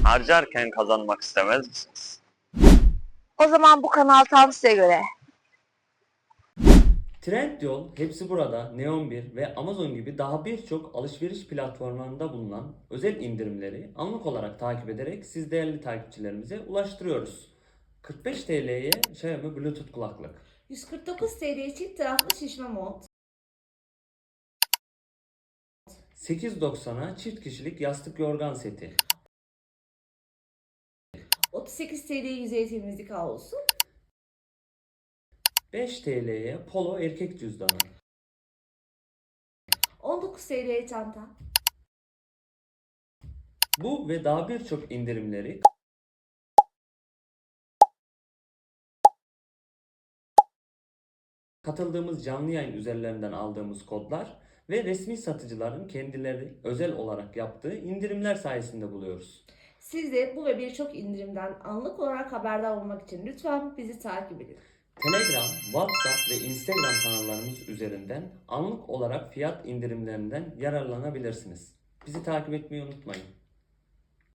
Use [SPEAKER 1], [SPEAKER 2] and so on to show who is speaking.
[SPEAKER 1] harcarken kazanmak istemez misiniz?
[SPEAKER 2] O zaman bu kanal tam size göre.
[SPEAKER 3] Trendyol, Hepsi Burada, Neon 1 ve Amazon gibi daha birçok alışveriş platformlarında bulunan özel indirimleri anlık olarak takip ederek siz değerli takipçilerimize ulaştırıyoruz. 45 TL'ye Xiaomi Bluetooth kulaklık,
[SPEAKER 4] 149 TL çift taraflı şişme mont,
[SPEAKER 3] 890'a çift kişilik yastık yorgan seti,
[SPEAKER 4] 38 TL yüzey temizlik havlusu,
[SPEAKER 3] 5 TL'ye Polo erkek cüzdanı,
[SPEAKER 4] 19 TL çanta,
[SPEAKER 3] bu ve daha birçok indirimleri katıldığımız canlı yayın üzerlerinden aldığımız kodlar ve resmi satıcıların kendileri özel olarak yaptığı indirimler sayesinde buluyoruz.
[SPEAKER 4] Siz de bu ve birçok indirimden anlık olarak haberdar olmak için lütfen bizi takip edin.
[SPEAKER 3] Telegram, WhatsApp ve Instagram kanallarımız üzerinden anlık olarak fiyat indirimlerinden yararlanabilirsiniz. Bizi takip etmeyi unutmayın.